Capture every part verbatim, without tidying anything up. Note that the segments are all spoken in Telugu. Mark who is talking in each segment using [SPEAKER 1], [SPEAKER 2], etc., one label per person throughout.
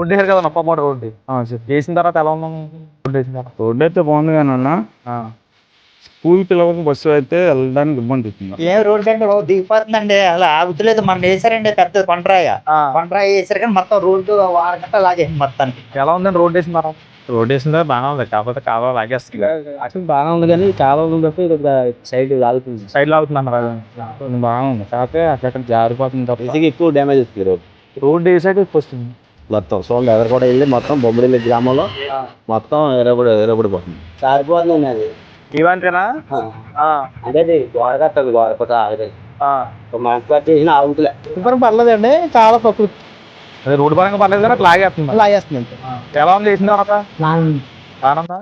[SPEAKER 1] రోడ్డు వేసారు కదా నొప్పపాడు రోడ్డు వేసిన తర్వాత ఎలా ఉన్నాం? రోడ్డు వేసిన తర్వాత
[SPEAKER 2] రోడ్డు అయితే బాగుంది కానీ అన్న స్కూల్ పిల్లలకు బస్సు అయితే వెళ్ళడానికి ఇబ్బంది అవుతుంది.
[SPEAKER 3] ఏం రోడ్డు అంటే బాబు దిగిపోతుందండి, అలా ఆగుతలేదు. మనం వేసారండి పెద్ద కొండరాయ కొండరాయ వేసారు కానీ మొత్తం రోడ్డు ఆరగంట లాగేసింది మొత్తానికి.
[SPEAKER 1] ఎలా ఉందండి రోడ్డు వేసిన తర్వాత? రోడ్డు వేసిన తర్వాత బాగానే ఉంది, కాకపోతే కాలువ లాగేస్తుంది.
[SPEAKER 4] అసలు బాగానే ఉంది కానీ కాలువలు బట్టి సైడ్ లాగుతుంది.
[SPEAKER 1] సైడ్ లాగుతుంది అన్నారు.
[SPEAKER 4] బాగుంది కాకపోతే అక్కడ జారిపోతుంది తప్ప
[SPEAKER 5] ఇసుక ఎక్కువ డ్యామేజ్ వస్తుంది రోడ్.
[SPEAKER 1] రోడ్డు వేసాక ఎక్కువ వస్తుంది
[SPEAKER 5] మొత్తం చూడండి ఎదురు కూడా వెళ్ళి మొత్తం బొమ్మడిల్లి గ్రామంలో మొత్తం ఎరబడి ఎరబడిపోతుంది.
[SPEAKER 4] జారిపోతుంది అది.
[SPEAKER 1] ఇవంతేనా?
[SPEAKER 4] అంటే గోడ కట్టదు, గోడ కొత్త ఆగలేదు. మంచి కట్టేసిన ఆగుతులే.
[SPEAKER 1] పర్లేదండి చాలా ప్రకృతి. అదే రోడ్డు పరంగా పర్లేదు కానీ లాగేస్తుంది
[SPEAKER 4] లాగేస్తుంది.
[SPEAKER 1] ఎలా ఉంది వేసిన తర్వాత? బాగుందా?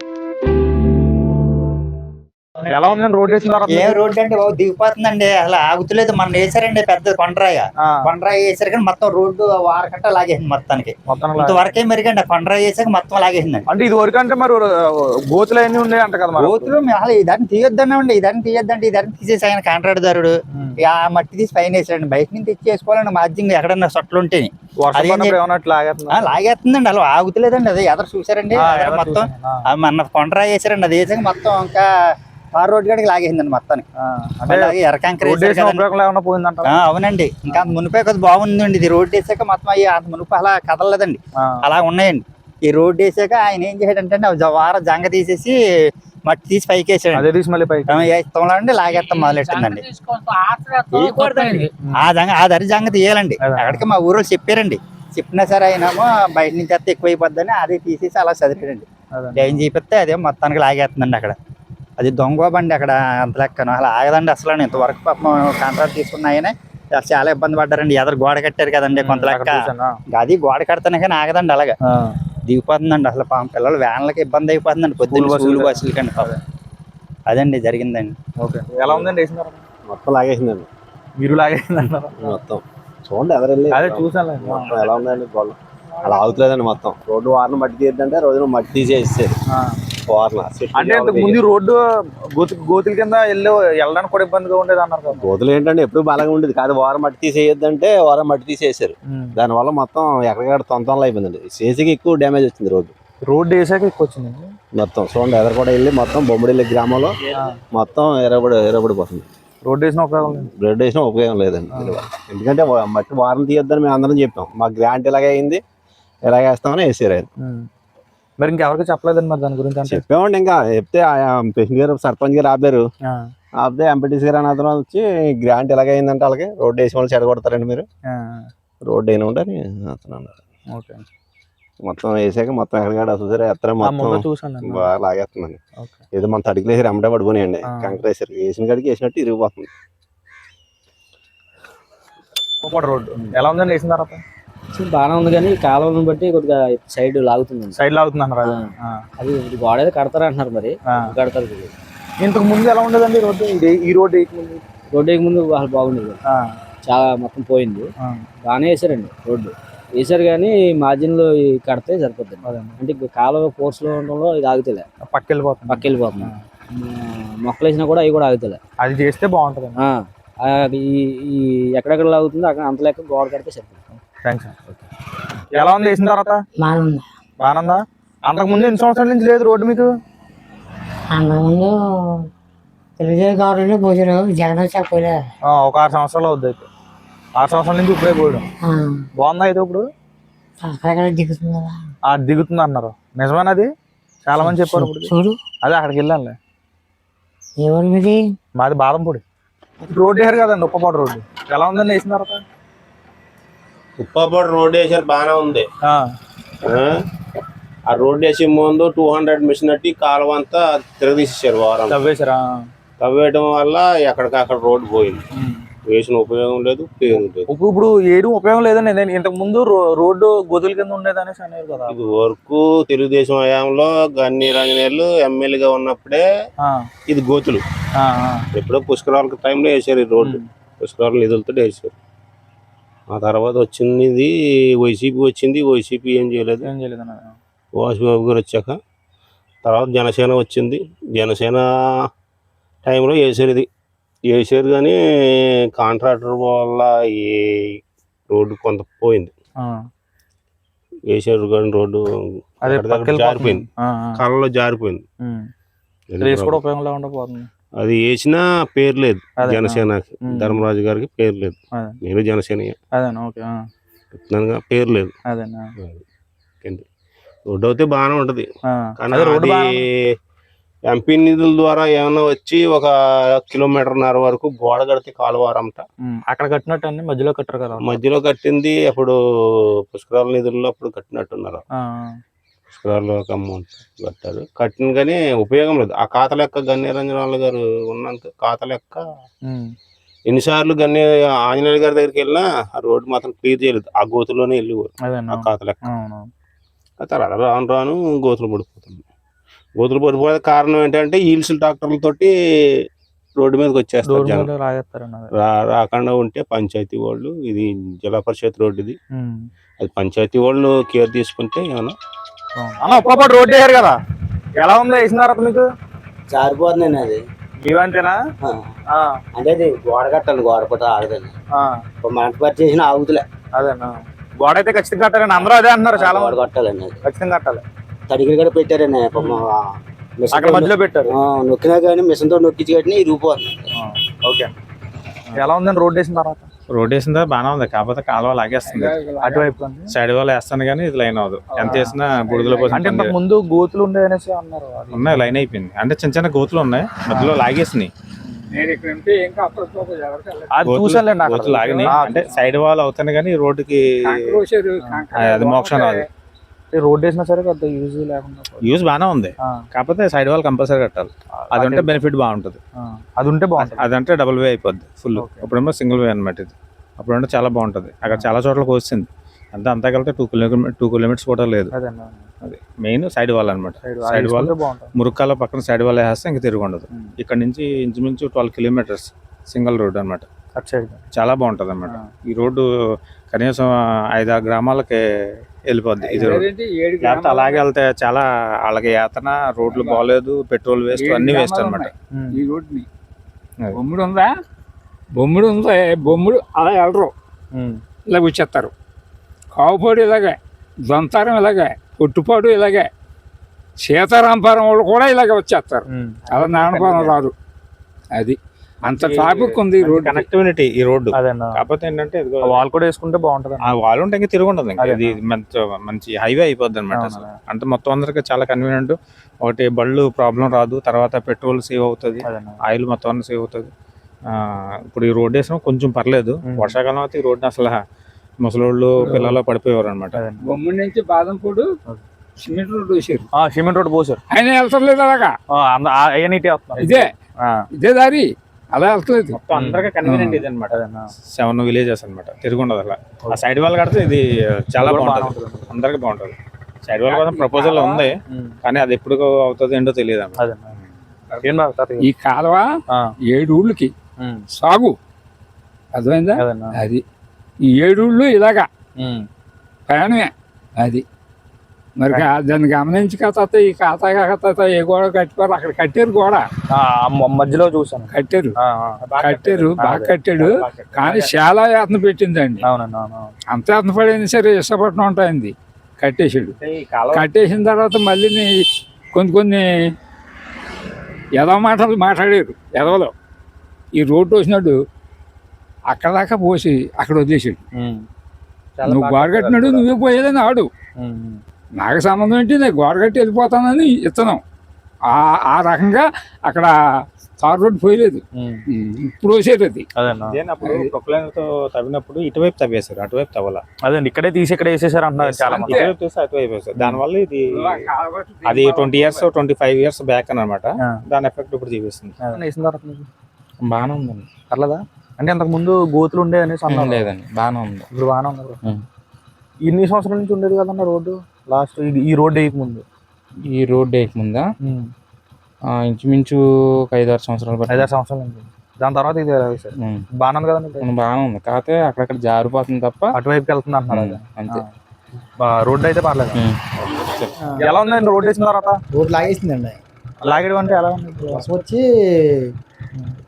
[SPEAKER 1] ఎలా ఉందండి రోడ్డు వేసిన తర్వాత?
[SPEAKER 3] ఏం రోడ్డు అంటే బాబు దిగిపోతుందండి, అలా ఆగుతలేదు. మనం వేసారండి పెద్ద కొండరాయ కొండరాయ వేసారు కానీ మొత్తం రోడ్డు ఆరగంట లాగేసింది మొత్తానికి. ఇంతవరకే మెరుగండి కొండరాయ వేసాక మొత్తం లాగేసిందండి.
[SPEAKER 1] అంటే ఇది వరకు అంటే మరి గోతులు అన్ని ఉన్నాయి అంట కదా?
[SPEAKER 3] గోతులు అసలు ఇదాన్ని తీయొద్దన్నామండి, ఇదాన్ని తీయొద్దంటే ఇదాన్ని తీసేసి ఆయన కాంట్రాక్టుదారుడు ఆ మట్టి తీసి పైన వేసాడండి. బయట నుంచి తెచ్చి వేసుకోవాలండి మార్జింగ్ ఎక్కడన్నా సొట్లు ఉంటే లాగేస్తుందండి. అలా ఆగుతలేదండి. అది ఎదరు చూసారండి మొత్తం మన కొండరాయ వేసారండి, అది వేసాక మొత్తం ఇంకా ఆ రోడ్డు గడికి లాగేసిందండి మొత్తానికి. అవునండి, ఇంకా మునిపే కొద్ది బాగుందండి. ఇది రోడ్డు వేసాక మొత్తం అయ్యి అంత మునుపు అలా కదలలేదండి, అలా ఉన్నాయండి. ఈ రోడ్డు వేసాక ఆయన ఏం చేశాడంటే వారం జంగ తీసేసి మట్టి తీసి పైకి వేసాడు. ఇస్తాంలో అండి లాగేస్తాం మొదలెట్టిందండి. ఆ జంగ ఆ దరి జంగ తీయాలండి. అక్కడికి మా ఊరు చెప్పారండి, చెప్పినా సరే ఆయనేమో బయట నుంచి వస్తే ఎక్కువ అయిపోద్దని అది తీసేసి అలా చదివాడండి. ఏం చూపిస్తే అదే మొత్తానికి లాగేస్తుందండి. అక్కడ అది దొంగ బండి అక్కడ అంత లెక్కను అలా ఆగదండి అసలు. ఇంతవరకు పాపం కాంట్రాక్ట్ తీసుకున్నాయని చాలా ఇబ్బంది పడ్డారండి. ఎదరు గోడ కట్టారు కదండి కొంత లెక్క, అది గోడ కడతానే కానీ ఆగదండి. అలాగే దిగిపోతుందండి అసలు. పాపం పిల్లలు వ్యాన్లకి ఇబ్బంది అయిపోతుందండి పొద్దున్న స్కూల్ బస్సులు కండి. అదండి జరిగిందండి.
[SPEAKER 1] ఎలా ఉందండి వేసిన తర్వాత?
[SPEAKER 5] మొత్తం లాగేసిందండి.
[SPEAKER 1] మీరు లాగేసిందండి మొత్తం?
[SPEAKER 5] చూడండి ఎదురు వెళ్ళి
[SPEAKER 1] అదే చూసాను
[SPEAKER 5] మొత్తం ఎలా ఉందండి గోడ. అలా ఆగుతలేదండి మొత్తం. రోడ్డు వారిని మట్టి తీద్దంటే రోజున మట్టి తీసేస్తారు.
[SPEAKER 1] అంటే ముందు రోడ్డు గోతు గోతుల కింద వెళ్ళి వెళ్ళడానికి కూడా ఇబ్బందిగా ఉండేది అన్నారు కదా?
[SPEAKER 5] గోతులు ఏంటంటే ఎప్పుడు బలంగా ఉండేది కాదు. వారం మట్టి తీసేయొద్దంటే వారం మట్టి తీసేసారు. దానివల్ల మొత్తం ఎక్కడికక్కడ తొంతనలు అయిపోయిందండి. సేసికి ఎక్కువ డ్యామేజ్ వచ్చింది రోడ్డు.
[SPEAKER 1] రోడ్డు వేసాక ఎక్కువ వచ్చింది
[SPEAKER 5] మొత్తం చూడండి ఎదురు కూడా వెళ్ళి మొత్తం బొమ్మడిల్లి గ్రామంలో మొత్తం ఎరబడి ఎరబడిపోతుంది.
[SPEAKER 1] రోడ్డు వేసిన ఉపయోగం లేదు.
[SPEAKER 5] రోడ్డు వేసిన ఉపయోగం లేదండి. ఎందుకంటే మట్టి వారం తీయొద్దని మేము అందరం చెప్పాం. మా గ్రాంట్ ఇలాగే అయింది, ఇలాగే వేస్తామని వేసారు ఆయన.
[SPEAKER 1] మరి ఇంకెవరికి చెప్పలేదండి మరి దాని గురించి?
[SPEAKER 5] చెప్పామండి, ఇంకా చెప్తే ప్రెసిడెంట్ గారు సర్పంచ్ గారు ఆపారు. ఆపితే ఎంపీటీసీ గారు అతను వచ్చి గ్రాంట్ ఎలాగ అయిందంటే అలాగే రోడ్డు వేసిన వాళ్ళు చెడగొడతారండి మీరు, రోడ్డు అయినా ఉండని అతను అన్నారు. మొత్తం వేసాక మొత్తం ఎక్కడికాడ చూసారా ఎత్తడం మొత్తం బాగా లాగేస్తుందండి. ఏదో మన తడికి వేసారు అమ్మటే పడిపోయాయండి. కంకర వేసారు, వేసిన కాడికి వేసినట్టు ఇరిగిపోతుంది
[SPEAKER 1] రోడ్డు. ఎలా ఉందండి వేసిన తర్వాత?
[SPEAKER 4] బాగానే ఉంది కానీ కాలువలను బట్టి కొద్దిగా సైడ్ లాగుతుంది.
[SPEAKER 1] సైడ్ లాగుతుంది అన్నారు.
[SPEAKER 4] అది గోడ అయితే కడతారు అంటున్నారు, మరి కడతారు.
[SPEAKER 1] ఇంతకు ముందు ఎలా ఉండదండి రోడ్డు? ఈ రోడ్డు ముందు
[SPEAKER 4] రోడ్డు వేయక ముందు అసలు బాగుండేది, చాలా మొత్తం పోయింది. బాగానే వేసారండి రోడ్డు వేసారు కానీ మార్జిన్ లో కడితే సరిపోతుంది. అంటే కాలువ ఫోర్స్ లో ఉండడంలో ఇది ఆగుతలే,
[SPEAKER 1] పక్క వెళ్ళిపోతుంది
[SPEAKER 4] పక్క వెళ్ళిపోతుంది. మొక్కలు వేసినా కూడా అవి కూడా ఆగుతలే.
[SPEAKER 1] అది చేస్తే బాగుంటుంది.
[SPEAKER 4] ఈ ఎక్కడెక్కడ లాగుతుందో అక్కడ అంత లెక్క గోడ కడితే సరిపోతుంది.
[SPEAKER 1] ఎలా ఉంది వేసిన తర్వాత? బాగుందా? అంతకు ముందు ఎన్ని సంవత్సరాల నుంచి లేదు రోడ్డు మీకు?
[SPEAKER 6] అంతకుముందు తెలుగుదేశం గవర్నమెంట్ పోయారు, జగన్ వచ్చాక పోయలే.
[SPEAKER 1] ఒక ఆరు సంవత్సరాలు అవుద్ది అయితే. ఆరు సంవత్సరాల నుంచి ఇప్పుడే పోయడం. బాగుందా అయితే ఇప్పుడు?
[SPEAKER 6] దిగుతుంది కదా.
[SPEAKER 1] దిగుతుంది అన్నారు, నిజమేనది? చాలా మంది చెప్పారు.
[SPEAKER 6] చూడు
[SPEAKER 1] అదే అక్కడికి వెళ్ళాలి.
[SPEAKER 6] ఎవరు మీది?
[SPEAKER 1] మాది బాదంపూడి. రోడ్డు వేసారు కదండి ఉప్పపాడు రోడ్డు. ఎలా ఉందండి వేసిన తర్వాత?
[SPEAKER 7] ఉప్పపాడు రోడ్డు వేసారు, బాగానే ఉంది. ఆ రోడ్డు వేసే ముందు టూ హండ్రెడ్ మిషన్ అట్టి కాలువ అంతా తిరగదీసేసారు. వారం
[SPEAKER 1] తవ్వేసారా?
[SPEAKER 7] తవ్వేయడం వల్ల ఎక్కడికక్కడ రోడ్డు పోయింది. వేసిన ఉపయోగం లేదు, ఉపయోగం లేదు.
[SPEAKER 1] ఇప్పుడు ఏడు ఉపయోగం లేదండి. నేను ఇంతకు ముందు రోడ్డు గోతుల కింద ఉండేదనేసి అనేది కదా.
[SPEAKER 7] ఇది వరకు తెలుగుదేశం హయాంలో గన్ని రంజనేయులు ఎమ్మెల్యేగా ఉన్నప్పుడే ఇది గోతులు. ఎప్పుడో పుష్కరాల టైంలో వేసారు ఈ రోడ్డు, పుష్కరాల నిధులతో వేసారు. ఆ తర్వాత వచ్చింది ఇది వైసీపీ వచ్చింది. వైసీపీ ఏం చేయలేదు,
[SPEAKER 1] ఏం చేయలేదు.
[SPEAKER 7] వాసుబాబు గారు వచ్చాక తర్వాత జనసేన వచ్చింది. జనసేన టైంలో వేసారు, ఇది వేసారు కానీ కాంట్రాక్టర్ వల్ల ఈ రోడ్డు కొంత పోయింది. వేసారు కానీ రోడ్డు
[SPEAKER 1] అదే
[SPEAKER 7] అక్కడ దగ్గర జారిపోయింది,
[SPEAKER 1] ఆ, ఆ.
[SPEAKER 7] కాలంలో జారిపోయింది.
[SPEAKER 1] ఉమ్.
[SPEAKER 7] అది
[SPEAKER 1] రేస్ కూడా
[SPEAKER 7] problem.
[SPEAKER 1] ఉపయోగం లేకుండా పోతుంది.
[SPEAKER 7] అది వేసినా పేరు లేదు
[SPEAKER 1] అదే,
[SPEAKER 7] జనసేనకి,
[SPEAKER 1] ఉమ్.
[SPEAKER 7] ధర్మరాజు గారికి పేరు లేదు.
[SPEAKER 1] అదే
[SPEAKER 7] నేను జనసేన
[SPEAKER 1] అదేనా, ఓకే, ఆ.
[SPEAKER 7] చెప్తున్నానుగా, పేరు లేదు.
[SPEAKER 1] అదేనా,
[SPEAKER 7] ఏంటి, రోడ్డు అయితే బాగానే ఉంటది
[SPEAKER 1] ఆ.
[SPEAKER 7] కానీ
[SPEAKER 1] అదే రోడ్డు
[SPEAKER 7] అది
[SPEAKER 1] బాగానే ఉంది.
[SPEAKER 7] ఎంపీ నిధుల ద్వారా ఏమైనా వచ్చి ఒక కిలోమీటర్న్నర వరకు గోడ కడితే కాలువారంట
[SPEAKER 1] ఉమ్. అక్కడ కట్టినట్టు అన్ని మధ్యలో కట్టరు కదా.
[SPEAKER 7] మధ్యలో కట్టింది అప్పుడు పుష్కరాల నిధుల్లో అప్పుడు కట్టినట్టున్నారు.
[SPEAKER 1] ఆ,
[SPEAKER 7] పుష్కరాల్లో ఒక అమౌంట్ కట్టారు, కట్టిన కానీ ఉపయోగం లేదు. ఆ ఖాతా లెక్క గన్నేరంజనాలు గారు ఉన్నంత ఖాతా లెక్క
[SPEAKER 1] ఉమ్.
[SPEAKER 7] ఎన్నిసార్లు గన్నే ఆంజనేయుల గారి దగ్గరికి వెళ్ళినా ఆ రోడ్డు మాత్రం క్లియర్ చేయలేదు, ఆ గోతుల్లోనే వెళ్ళిపోరు
[SPEAKER 1] అదేనా,
[SPEAKER 7] ఆ ఖాతా లెక్క.
[SPEAKER 1] అవును.
[SPEAKER 7] ఆ తర్వాత రాను రాను గోతులు పడిపోతుంది. గోతులు పడిపోయే కారణం ఏంటంటే ఈల్స్ ట్రాక్టర్లతోటి రోడ్డు మీదకి వచ్చేస్తారు
[SPEAKER 1] రోడ్డు
[SPEAKER 7] జనం.
[SPEAKER 1] మీద రాజేస్తారండి అది.
[SPEAKER 7] రా రాకుండా ఉంటే పంచాయతీ వాళ్ళు, ఇది జిల్లా పరిషత్ రోడ్డు ఇది,
[SPEAKER 1] ఉమ్.
[SPEAKER 7] అది పంచాయతీ వాళ్ళు కేర్ తీసుకుంటే ఏమన్నా.
[SPEAKER 1] అవును. అన్న ఒక్కొక్కటి రోడ్డు వేసారు కదా, ఎలా ఉందో వేసిన తర్వాత మీకు?
[SPEAKER 4] జారిపోతుందండి అది.
[SPEAKER 1] ఇవంతేనా? ఆ,
[SPEAKER 4] అంటే అది గోడ కట్టాలి, గోడ కూడా ఆగదండి.
[SPEAKER 1] ఆ.
[SPEAKER 4] మంట పట్టి చేసిన ఆగుతులే.
[SPEAKER 1] అదేనా, గోడ అయితే ఖచ్చితంగా కట్టారండి, అందరూ అదే అంటున్నారు చాలా
[SPEAKER 4] గోడ
[SPEAKER 1] మంది.
[SPEAKER 4] కట్టాలండి, అది
[SPEAKER 1] ఖచ్చితంగా కట్టాలి.
[SPEAKER 4] తడిగిరి కూడా పెట్టారండి. పాపం ఆ మిషన్
[SPEAKER 1] అక్కడ మధ్యలో పెట్టారు.
[SPEAKER 4] ఆ, నొక్కినా కానీ మిషన్ తో నొక్కించి కట్టిన ఇరిగిపోతుంది.
[SPEAKER 1] ఆ, ఓకే. ఎలా ఉందండి రోడ్డు వేసిన తర్వాత?
[SPEAKER 2] రోడ్ వేసిన తర్వాత బాగానే ఉంది, కాకపోతే కాలువ లాగేస్తుంది.
[SPEAKER 1] అటువైపు
[SPEAKER 2] సైడ్ వాళ్ళు వేస్తాను కానీ ఇది లైన్ అవ్వదు, ఎంత వేసినా బుడిదల కోసం.
[SPEAKER 1] అంటే ఇంతకు ముందు గోతులు ఉండే అనేసి అన్నారు. అది
[SPEAKER 2] ఉన్నాయి, లైన్ అయిపోయింది. అంటే చిన్న చిన్న గోతులు ఉన్నాయి, మధ్యలో లాగేసినాయి.
[SPEAKER 1] అది చూసానులేండి అక్కడ.
[SPEAKER 2] గోతులు లాగినాయి,
[SPEAKER 1] ఆ,
[SPEAKER 2] అంటే సైడ్ వాళ్ళు అవుతాను కానీ రోడ్డుకి అది మోక్షం రాదు.
[SPEAKER 1] ఈ రోడ్డు వేసినా సరే పెద్ద యూజ్ లేకుండా పోయింది.
[SPEAKER 2] యూజ్ బాగానే ఉంది,
[SPEAKER 1] ఆ,
[SPEAKER 2] కాకపోతే సైడ్ వాళ్ళు కంపల్సరీ కట్టాలి. అది ఉంటే బెనిఫిట్ బాగుంటుంది.
[SPEAKER 1] ఆ, అది ఉంటే బాగుంటుంది.
[SPEAKER 2] అదంటే డబుల్ వే అయిపోద్ది ఫుల్. అప్పుడేమో సింగిల్ వే అనమాట ఇది. అప్పుడంటే చాలా బాగుంటుంది. అక్కడ చాలా చోట్లకి వచ్చింది, అంతా అంతా కలిపితే టూ కిలోమీటర్ టూ కిలోమీటర్స్ కూడా లేదు.
[SPEAKER 1] అదేనా,
[SPEAKER 2] అది మెయిన్ సైడ్ వాల్ అనమాట.
[SPEAKER 1] సైడ్
[SPEAKER 2] సైడ్ వాల్
[SPEAKER 1] వేసుకుంటే బాగుంటుంది.
[SPEAKER 2] మురుక్కాల పక్కన సైడ్ వాల్ వేస్తే ఇంకా తిరిగి ఉండదు.
[SPEAKER 1] ఉమ్.
[SPEAKER 2] ఇక్కడ నుంచి ఇంచుమించు ట్వెల్వ్ కిలోమీటర్స్ సింగిల్ రోడ్ అనమాట.
[SPEAKER 1] అటు సైడ్.
[SPEAKER 2] చాలా బాగుంటుంది అనమాట.
[SPEAKER 1] ఆ.
[SPEAKER 2] ఈ రోడ్డు కనీసం ఐదారు గ్రామాలకి వెళ్ళిపోద్ది ఇది రోడ్. లేకపోతే అలాగే వెళ్తే చాలా వాళ్ళకి యాతన, రోడ్లు బాగోలేదు, పెట్రోల్ వేస్ట్, అన్ని వేస్ట్ అనమాట.
[SPEAKER 1] ఉమ్.
[SPEAKER 8] ఈ రోడ్ని బొమ్ముడు ఉందా, బొమ్ముడు ఉందా, బొమ్ముడు అలా వెళ్ళరు,
[SPEAKER 1] ఉమ్.
[SPEAKER 8] ఇలా వచ్చేస్తారు. కావుపాడు ఇలాగే, దొంతారం ఇలాగే, పొట్టుపాడు ఇలాగే, సీతారాంపురం వాళ్ళు కూడా ఇలాగే వచ్చేస్తారు.
[SPEAKER 1] ఉమ్.
[SPEAKER 8] అలా నానపురం రాదు. అది అంత ట్రాఫిక్ ఉంది ఈ రోడ్.
[SPEAKER 2] కనెక్టివిటీ ఈ రోడ్డు.
[SPEAKER 1] అదేనా,
[SPEAKER 2] కాకపోతే ఏంటంటే ఇదిగో
[SPEAKER 1] వాల్ కూడా వేసుకుంటే బాగుంటుంది.
[SPEAKER 2] ఆ వాళ్ళు ఉంటే ఇంకా తిరిగి ఉండదు. ఇంకా
[SPEAKER 1] అదే.
[SPEAKER 2] ఇది మంచి మంచి హైవే అయిపోద్ది అనమాట. అసలు అంటే మొత్తం అందరికి చాలా కన్వీనియంట్. ఒకటి బళ్ళు ప్రాబ్లం రాదు, తర్వాత పెట్రోల్ సేవ్ అవుతుంది,
[SPEAKER 1] అదేనా,
[SPEAKER 2] ఆయిల్ మొత్తం అన్ని సేవ్ అవుతుంది. ఆ, ఇప్పుడు ఈ రోడ్ వేసిన కొంచెం పర్లేదు.
[SPEAKER 1] ఉమ్.
[SPEAKER 2] వర్షాకాలం అయితే ఈ రోడ్ని అసలు ముసలోళ్ళు పిల్లలు పడిపోయేవారు అనమాట.
[SPEAKER 1] అదేనా.
[SPEAKER 8] బొమ్ముడి నుంచి బాదంపూడు సిమెంట్ రోడ్ వేసారు,
[SPEAKER 1] ఆ, సిమెంట్ రోడ్ పోసారు.
[SPEAKER 8] ఆయన వెళ్తలేదు అలాగా.
[SPEAKER 1] అవన్నీ వస్తున్నారు.
[SPEAKER 8] ఇదే ఇదే దారి, అలా వెళ్తలేదు.
[SPEAKER 2] మొత్తం అందరికి కన్వీనియంట్ ఇది అనమాట.
[SPEAKER 1] అదేనా,
[SPEAKER 2] సెవెన్ విలేజెస్ అనమాట, తిరిగి ఉండదు అలా. ఆ సైడ్ వాళ్ళు కడితే ఇది చాలా బాగుంటుంది, అందరికి బాగుంటుంది. సైడ్ వాళ్ళ కోసం ప్రపోజల్ ఉంది
[SPEAKER 1] ఉమ్.
[SPEAKER 2] కానీ అది ఎప్పుడు అవుతుంది ఏంటో తెలియదు అన్నమాట.
[SPEAKER 1] అదేనా, ఏం బాగా సార్?
[SPEAKER 8] ఈ కాలువ
[SPEAKER 1] ఆ,
[SPEAKER 8] ఏడు ఊళ్ళకి
[SPEAKER 1] ఉమ్.
[SPEAKER 8] సాగు, అర్థమైందా?
[SPEAKER 1] అదేనా,
[SPEAKER 8] అది ఈ ఏడు ఊళ్ళు ఇలాగా
[SPEAKER 1] ఉమ్.
[SPEAKER 8] ప్రయాణమే. అది మరి కా- దాన్ని గమనించి కథ ఈ ఖాతా కథ ఏ గోడ కట్టుకోరు, అక్కడ కట్టారు గోడ,
[SPEAKER 1] ఆ, ఆ మ- మధ్యలో చూసాను.
[SPEAKER 8] కట్టారు
[SPEAKER 1] ఆ, ఆ.
[SPEAKER 8] కట్టారు బాగా కట్టాడు. కానీ చాలా యాతన పెట్టిందండి.
[SPEAKER 1] అవునండి, అవును.
[SPEAKER 8] అంత యాతన పడింది సరే, విశాఖపట్నం ఉంటాయింది, కట్టేసాడు.
[SPEAKER 2] ఈ కాలువ
[SPEAKER 8] కట్టేసిన తర్వాత మళ్ళీ కొన్ని కొన్ని ఎదవ మాటలు మాట్లాడారు ఎదవలో. ఈ రోడ్డు వచ్చినాడు అక్కడ దాకా పోసి అక్కడ వదిలేసాడు.
[SPEAKER 1] ఉమ్.
[SPEAKER 8] నువ్వు గోడ కట్టినాడు, నువ్వే పోయేదని ఆడు,
[SPEAKER 1] ఉమ్. ఉమ్.
[SPEAKER 8] నాకు సంబంధం ఏంటి, నేను గోడ కట్టి వెళ్ళిపోతానని ఇత్తనం. ఆ ఆ రకంగా అక్కడ తార్ రోడ్డు పోయలేదు,
[SPEAKER 1] ఉమ్.
[SPEAKER 8] ఇప్పుడు వచ్చేది అది.
[SPEAKER 1] అదేనా,
[SPEAKER 2] అప్పుడు ప్రొక్లైన్ తో తవ్వినప్పుడు ఇటువైపు తవ్వేశారు, అటువైపు తవ్వాల.
[SPEAKER 1] అదే ఇక్కడే తీసి ఇక్కడ వేసేసారు అంటున్నారు చాలా మంది.
[SPEAKER 2] ఇటువైపు తీస్తే అటువైపు వేశారు. దానివల్ల ఇది అది twenty years twenty five years back అనమాట.
[SPEAKER 1] ఆ.
[SPEAKER 2] దాని ఎఫెక్ట్ ఇప్పుడు చూపిస్తుంది.
[SPEAKER 1] అదే వేసిన తర్వాత మీకు
[SPEAKER 4] బాగానే ఉందండి.
[SPEAKER 1] పర్లేదా? అంటే అంతకు ముందు గోతులు ఉండే అనేసి అన్నారు.
[SPEAKER 4] లేదండి, బాగానే ఉంది.
[SPEAKER 1] ఇప్పుడు బాగానే ఉన్నారు.
[SPEAKER 4] ఉమ్.
[SPEAKER 1] ఇన్ని సంవత్సరాల నుంచి ఉండేది కదన్న రోడ్డు, లాస్ట్ ఈ రోడ్డు వేయక ముందు.
[SPEAKER 4] ఈ రోడ్ వేయకముందా
[SPEAKER 1] ఉమ్.
[SPEAKER 4] ఆ, ఇంచుమించు ఒక ఐదారు సంవత్సరాలు పట్టింది.
[SPEAKER 1] ఐదారు సంవత్సరాల నుంచి. దాని తర్వాత ఇది వేసారు.
[SPEAKER 4] ఉమ్.
[SPEAKER 1] బాగానే ఉంది కదండి ఇప్పుడు?
[SPEAKER 4] ఉమ్, బాగానే ఉంది. కాకపోతే అక్కడక్కడ జారిపోతుంది తప్ప.
[SPEAKER 1] అటువైపుకి వెళ్తుంది అంటున్నారు.
[SPEAKER 4] ఉమ్,
[SPEAKER 1] అదే.
[SPEAKER 4] అంతే.
[SPEAKER 1] ఆ, రోడ్డు అయితే పర్లేదు.
[SPEAKER 4] ఉమ్.
[SPEAKER 1] ఎలా ఉందండి రోడ్డు వేసిన తర్వాత?
[SPEAKER 9] రోడ్ లాగేసిందండి.
[SPEAKER 1] లాగేయడం అంటే ఎలా ఉంది?
[SPEAKER 9] వర్షం వచ్చి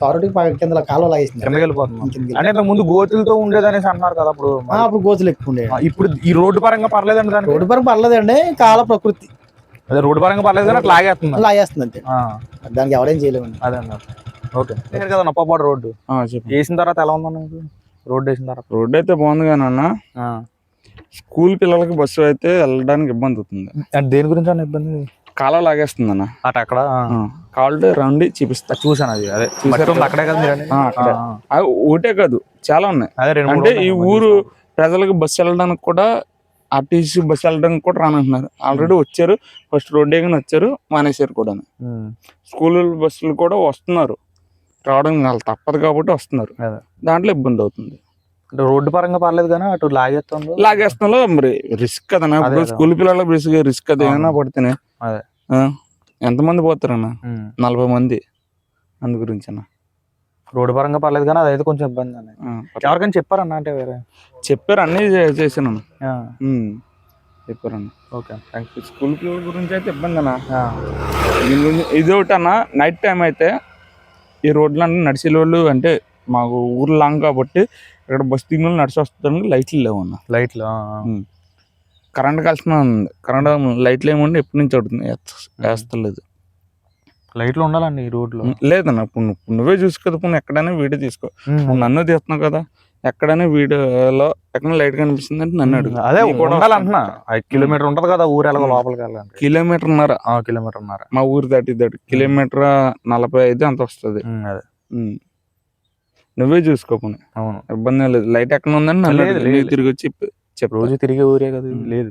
[SPEAKER 9] తారోటికి పై- కింద కాలువ లాగేసింది
[SPEAKER 1] కిందకి వెళ్ళిపోతుంది
[SPEAKER 9] కిందకి
[SPEAKER 1] అంటే ఇంతకు ముందు గోతులతో ఉండేదనేసి అంటున్నారు కదా అప్పుడు
[SPEAKER 9] ఆ, అప్పుడు గోతులు ఎక్కువ ఉండే
[SPEAKER 1] ఆ, ఇప్పుడు ఈ రోడ్డు పరంగా పర్లేదండి దానికి
[SPEAKER 9] రోడ్డు పరం పర్లేదండి కాల ప్రకృతి
[SPEAKER 1] అదే రోడ్డు పరంగా పర్లేదు కానీ అట్లా లాగేస్తుంది
[SPEAKER 9] లాగేస్తుంది అంతే
[SPEAKER 1] ఆ,
[SPEAKER 9] దానికి ఎవరేం చేయలేమండి
[SPEAKER 1] అదే అన్న ఓకే లేదు కదా నొప్పపాడు రోడ్డు వేసిన తర్వాత ఎలా ఉందన్న మీకు? రోడ్డు వేసిన తర్వాత
[SPEAKER 10] రోడ్డు అయితే బాగుంది కానీ అన్న
[SPEAKER 1] ఆ.
[SPEAKER 10] స్కూల్ పిల్లలకి బస్సు అయితే వెళ్ళడానికి ఇబ్బంది అవుతుంది.
[SPEAKER 1] అంటే దేని గురించి అన్న ఇబ్బంది
[SPEAKER 10] కాలువ లాగేస్తుంది అన్న.
[SPEAKER 1] అటు అక్కడ ఆ.
[SPEAKER 10] కాళ్ళు రండి చూపిస్తా.
[SPEAKER 1] చూసాను అది అదే మట్టి ఉంది అక్కడే కదా మీరు అనేది?
[SPEAKER 10] ఆ, అక్కడే.
[SPEAKER 1] ఆ, ఆ.
[SPEAKER 10] అవి ఒకటే కాదు చాలా ఉన్నాయి.
[SPEAKER 1] అదే రెండు మూడు
[SPEAKER 10] అంటే ఈ
[SPEAKER 1] ఉన్నాయి.
[SPEAKER 10] ఊరు ప్రజలకు బస్సు వెళ్ళడానికి కూడా ఆర్టీసీ బస్సు వెళ్ళడానికి కూడా రానంటున్నారు. ఆల్రెడీ వచ్చారు, ఫస్ట్ రోడ్డు వేయగానే వచ్చారు, మానేశారు కూడా.
[SPEAKER 1] ఉమ్.
[SPEAKER 10] స్కూల్ బస్సులు కూడా వస్తున్నారు, రావడం వాళ్ళు తప్పదు కాబట్టి వస్తున్నారు.
[SPEAKER 1] అదే.
[SPEAKER 10] దాంట్లో ఇబ్బంది అవుతుంది.
[SPEAKER 1] అంటే రోడ్డు పరంగా పర్లేదు కానీ అటు లాగేస్తుంది
[SPEAKER 10] లాగేస్తున్నా మరి రిస్క్ కదన్నా.
[SPEAKER 1] అదే
[SPEAKER 10] ఇప్పుడు
[SPEAKER 1] కదా.
[SPEAKER 10] స్కూల్ పిల్లలకు రిస్క్ రిస్క్ అది ఏమైనా పడితేనే
[SPEAKER 1] అదే.
[SPEAKER 10] ఆ, ఎంతమంది పోతారన్న?
[SPEAKER 1] ఉమ్.
[SPEAKER 10] నలభై మంది. అందు గురించి అన్న
[SPEAKER 1] రోడ్డు పరంగా పర్లేదు కానీ అదైతే కొంచెం ఇబ్బంది అన్న.
[SPEAKER 10] ఆ,
[SPEAKER 1] ఎవరికైనా చెప్పారన్న అంటే వేరే
[SPEAKER 10] చెప్పారు, అన్నీ చే- చేశాను అన్న.
[SPEAKER 1] ఆ,
[SPEAKER 10] ఉమ్, చెప్పారన్న.
[SPEAKER 1] Okay thank you.
[SPEAKER 10] స్కూల్ పిల్లల గురించి అయితే ఇబ్బంది అన్న. దీని గురించి ఇది ఒకటి అన్న, నైట్ టైం అయితే ఈ రోడ్లు అంటే నడిచే వాళ్ళు అంటే మాకు ఊరు లాంగ్ కాబట్టి ఇక్కడ బస్ దిగిన వాళ్ళు నడిచి వస్తానికి లైట్లు లేవు అన్న.
[SPEAKER 1] లైట్లు
[SPEAKER 10] కరెంట్ కలిసిన ఉంది. కరెంట్ లైట్లు ఏమంటే ఎప్పటి నుంచి అవుతుంది వేస్తలేదు.
[SPEAKER 1] లైట్లు ఉండాలండి ఈ రోడ్లో.
[SPEAKER 10] లేదన్న ఇప్పుడు నువ్వు ఇప్పుడు నువ్వే చూసుకో కదా. ఇప్పుడు ఎక్కడైనా వీడియో తీసుకో. ఇప్పుడు నన్ను తీస్తున్నావు కదా, ఎక్కడైనా వీడియోలో ఎక్కడ లైట్ కనిపిస్తుంది అంటే నన్ను అడుగు.
[SPEAKER 1] అదే
[SPEAKER 10] నీకు కూడా
[SPEAKER 1] ఉండాలంటున్నా. ఐదు కిలోమీటర్ ఉంటది కదా ఊరు ఎలాగో లోపలికి వెళ్ళాలంటే.
[SPEAKER 10] కిలోమీటర్న్నర
[SPEAKER 1] కిలోమీటర్ ఉన్నారు.
[SPEAKER 10] మా ఊరు దాటి దాటి కిలోమీటర్ నలభై ఐదు అంత వస్తుంది.
[SPEAKER 1] అదే
[SPEAKER 10] ఉమ్. నువ్వే చూసుకో పోనీ.
[SPEAKER 1] అవును
[SPEAKER 10] ఇబ్బంది లేదు. లైట్ ఎక్కడ ఉందని నన్ను
[SPEAKER 1] లేదు,
[SPEAKER 10] అడుగు.
[SPEAKER 1] లేదు.
[SPEAKER 10] నీకు తిరిగి వచ్చి చెప్పు. చెప్పు.
[SPEAKER 1] రోజు తిరిగే ఊరే కదా ఇది. లేదు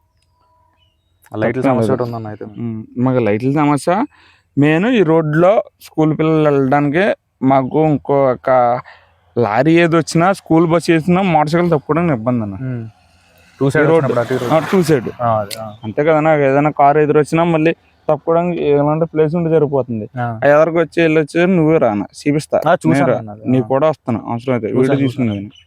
[SPEAKER 1] లైట్ల
[SPEAKER 10] తప్పేం
[SPEAKER 1] సమస్య
[SPEAKER 10] లేదు.
[SPEAKER 1] ఒకటి ఉందన్న అయితే.
[SPEAKER 10] ఉమ్. మాకు లైట్ల సమస్య మెయిన్. ఈ రోడ్లో స్కూల్ పిల్లలు వెళ్ళడానికి మాకు ఇంకో ఒక లారీ ఏది వచ్చినా స్కూల్ బస్ వేసినా మోటార్ సైకిల్ తప్పుకోవడానికి ఇబ్బంది అన్న.
[SPEAKER 1] Two side
[SPEAKER 10] road two side అంతే కదా. నాకు ఏదైనా కార్ ఎదురొచ్చినా మళ్ళీ తప్పుకోవడానికి ఎలాంటి ప్లేస్ ఉంటే సరిపోతుంది. ఎదరికి వచ్చి వెళ్ళొచ్చి నువ్వే రానా చూపిస్తా.
[SPEAKER 1] చూసాను
[SPEAKER 10] నీకు కూడా వస్తాను అవసరం అయితే వీడియో తీసుకునేది.